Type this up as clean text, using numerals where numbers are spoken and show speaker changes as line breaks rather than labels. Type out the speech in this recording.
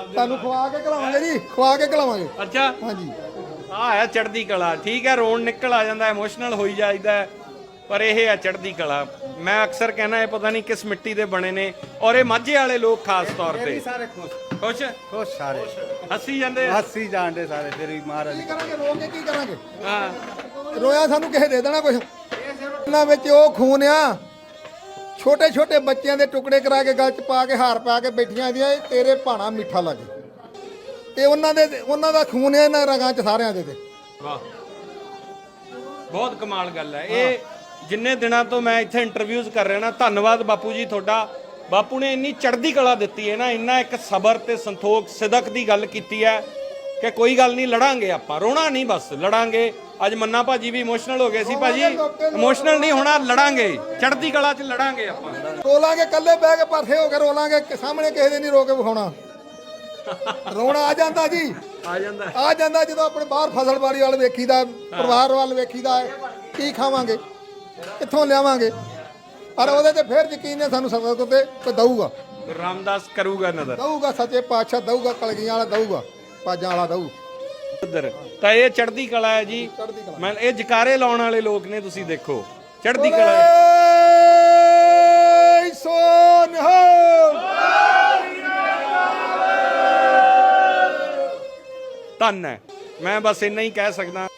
ਤੁਹਾਨੂੰ ਖਵਾ ਕੇ ਖਿਲਾਵਾਂਗੇ ਜੀ, ਖਵਾ ਕੇ ਖਿਲਾਵਾਂਗੇ।
ਅੱਛਾ
ਹਾਂਜੀ
ਆ ਹੈ ਚੜ੍ਹਦੀ ਕਲਾ। ਠੀਕ ਹੈ, ਰੋਣ ਨਿਕਲ ਆ ਜਾਂਦਾ, ਇਮੋਸ਼ਨਲ ਹੋਈ ਜਾਈਦਾ, ਪਰ ਇਹ ਹੈ ਚੜ੍ਹਦੀ ਕਲਾ। ਮੈਂ ਅਕਸਰ ਕਹਿਣਾ ਇਹ ਪਤਾ ਨਹੀਂ ਕਿਸ ਮਿੱਟੀ ਦੇ ਬਣੇ ਨੇ, ਔਰ ਇਹ ਮਾਝੇ ਵਾਲੇ ਲੋਕ ਖਾਸ ਤੌਰ ਤੇ
ਸਾਰੇ ਖੁਸ਼
ਖੁਸ਼
ਖੁਸ਼ ਸਾਰੇ
ਹੱਸੀ ਜਾਂਦੇ।
ਹੱਸੀ ਜਾਣਦੇ ਸਾਰੇ ਫਿਰ ਵੀ ਮਹਾਰਾਜ
ਕੀ ਕਰਾਂਗੇ, ਰੋ ਕੇ ਕੀ ਕਰਾਂਗੇ?
ਹਾਂ
ਰੋਇਆ ਸਾਨੂੰ ਕਿਸੇ ਦੇ ਦੇਣਾ ਕੁਛ। ਇਹਨਾਂ ਵਿੱਚ ਉਹ ਖੂਨ ਆ, ਛੋਟੇ ਛੋਟੇ ਬੱਚਿਆਂ ਦੇ ਟੁਕੜੇ ਕਰਾ ਕੇ ਗਲ 'ਚ ਪਾ ਕੇ ਹਾਰ ਪਾ ਕੇ ਬੈਠੀਆਂ ਦੀਆਂ, ਇਹ ਤੇਰੇ ਭਾਣਾ ਮਿੱਠਾ ਲੱਗੇ। ਤੇ ਉਹਨਾਂ ਦਾ ਖੂਨ ਹੈ ਇਹਨਾਂ ਰਗਾਂ 'ਚ ਸਾਰਿਆਂ ਦੇ ਤੇ।
ਵਾਹ, ਬਹੁਤ ਕਮਾਲ ਗੱਲ ਹੈ ਇਹ। ਜਿੰਨੇ ਦਿਨਾਂ ਤੋਂ ਮੈਂ ਇੱਥੇ ਇੰਟਰਵਿਊਜ਼ ਕਰ ਰਿਹਾ ਨਾ, ਧੰਨਵਾਦ ਬਾਪੂ ਜੀ ਤੁਹਾਡਾ। ਬਾਪੂ ਨੇ ਇੰਨੀ ਚੜ੍ਹਦੀ ਕਲਾ ਦਿੱਤੀ ਹੈ ਨਾ, ਇੰਨਾ ਇੱਕ ਸਬਰ ਤੇ ਸੰਤੋਖ ਸਿਦਕ ਦੀ ਗੱਲ ਕੀਤੀ ਹੈ ਕਿ ਕੋਈ ਗੱਲ ਨਹੀਂ, ਲੜਾਂਗੇ ਆਪਾਂ, ਰੋਣਾ ਨਹੀਂ, ਬਸ ਲੜਾਂਗੇ। ਅੱਜ ਮੰਨਾ ਭਾਜੀ ਵੀ ਇਮੋਸ਼ਨਲ ਹੋ ਗਏ ਸੀ। ਭਾਜੀ ਇਮੋਸ਼ਨਲ ਨਹੀਂ ਹੋਣਾ, ਲੜਾਂਗੇ, ਚੜ੍ਹਦੀ ਕਲਾ 'ਚ ਲੜਾਂਗੇ ਆਪਾਂ।
ਰੋਲਾਂਗੇ, ਇਕੱਲੇ ਬਹਿ ਕੇ ਪਾਸੇ ਹੋ ਕੇ ਰੋਲਾਂਗੇ, ਸਾਹਮਣੇ ਕਿਸੇ ਦੇ ਨਹੀਂ ਰੋ ਕੇ ਵਿਖਾਉਣਾ। ਰੋਣਾ ਆ ਜਾਂਦਾ ਜੀ, ਆ ਜਾਂਦਾ ਜਦੋਂ ਆਪਣੇ ਬਾਹਰ ਫਸਲਬਾੜੀ ਵੱਲ ਵੇਖੀਦਾ, ਪਰਿਵਾਰ ਵੱਲ ਵੇਖੀਦਾ, ਕੀ ਖਾਵਾਂਗੇ, ਕਿੱਥੋਂ ਲਿਆਵਾਂਗੇ, ਪਰ ਉਹਦੇ ਤੇ ਫਿਰ ਯਕੀਨ ਹੈ ਸਾਨੂੰ ਸਬਰ ਤੇ ਕੋਈ ਦਊਗਾ।
ਰਾਮਦਾਸ ਕਰੂਗਾ ਨਜ਼ਰ,
ਦਊਗਾ, ਸੱਚੇ ਪਾਤਸ਼ਾਹ ਦਊਗਾ, ਕਲਗੀਆਂ ਵਾਲਾ ਦਊਗਾ, ਪਾਜਾਂ ਵਾਲਾ ਦਊ।
ਉਧਰ ਤਾਂ ਇਹ ਚੜ੍ਹਦੀ ਕਲਾ ਹੈ ਜੀ।
ਚੜ੍ਹਦੀ ਕਲਾ।
ਮੈਂ ਇਹ ਜਕਾਰੇ ਲਾਉਣ ਵਾਲੇ ਲੋਕ ਨੇ, ਤੁਸੀਂ ਦੇਖੋ ਚੜ੍ਹਦੀ ਕਲਾ ਹੈ। ਧੰਨ ਹੈ, ਮੈਂ ਬਸ ਇੰਨਾ ਹੀ ਕਹਿ ਸਕਦਾ।